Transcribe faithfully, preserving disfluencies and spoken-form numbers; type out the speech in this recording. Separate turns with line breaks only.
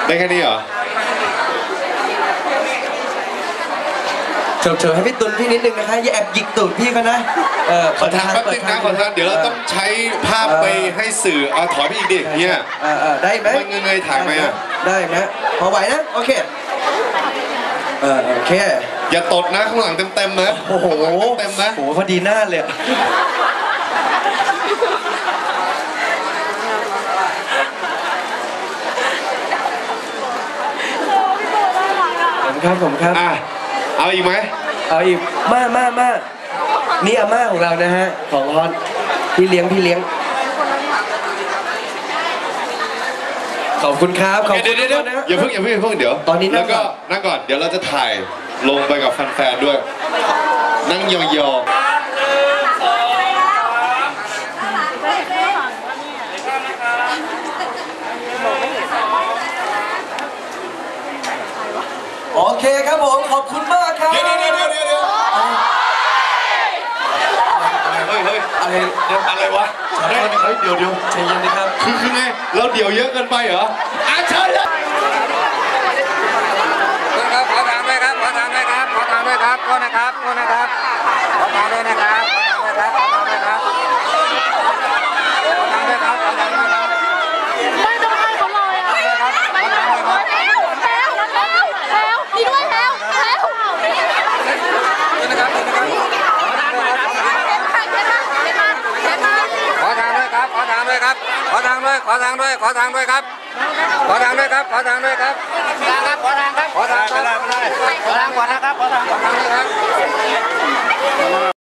ได้แค่นี้เหรอ
เฉยๆให้พี่ตุลพี่นิดนึงนะคะอย่าแอบหยิกตูดพี่เขานะเออ
ขอทางแป๊บนึงนะขอทางเดี๋ยวเราต้องใช้ภาพไปให้สื่อเอาถอยไปอีกดิเนี่ย
ได้ไหม
มันเงยถ่ายไหมอ่ะ
ได้ไหมพอไหวนะโอเคเออโอเค
อย่าตดนะข้างหลังเต็มๆนะ
โอ้โห
เต็มนะ
โอ้โหพอดีหน้าเลยผมครับผมครับ
อ่ะเอาอีกไหม
เอาอีกมามามานี่อาม่าของเรานะฮะของฮอนพี่เลี้ยงพี่เลี้ยงขอบคุณครับขอบคุณ
เดี๋ยว
นะ
อย่าเพิ่งอย่าเพิ่งอย่าเพิ่งเดี๋ยว
ตอนนี้
แล้วก็นั่งก่อนเดี๋ยวเราจะถ่ายลงไปกับแฟนๆด้วยนั่งยองๆ
โอเคครับผมขอบคุณมากครับ
เดี๋ยวเดี๋ยวเดี๋ยวเดี๋ยวเดี๋ยวเฮ้ยเฮ้ยอะไรอะไรวะเฮ้ยเดี๋ยวเดี๋ยว
ใจเย็นนะครับ
คือคือไงเราเดี๋ยวเยอะเกินไปเหรออาเชิญเลย
ขอทางด้วยครับขอทางด้วยครับขอทางด้วยครับขอนะครับขอนะครับขอทางด้วยนะครับขอทางด้วยครับขอทางด้วยครับขอทางด้วยครับขอทางด้วยครับ
ไม่ต้องให้เขาเลยอ่ะไม่ต้องให้แล้วแล้วแล้วแล้วดีด้วยแล้วแล้ว
นะครับขอทางด้วยครับขอทางด้วยครับขอทางด้วยขอทางด้วยขอทางด้วยครับขอทางด้วยครับขอทางด้วยครับขอทางครับขอทางครับขอทางครับขอทางขอทางครับขอทางขอทางด้วยครับ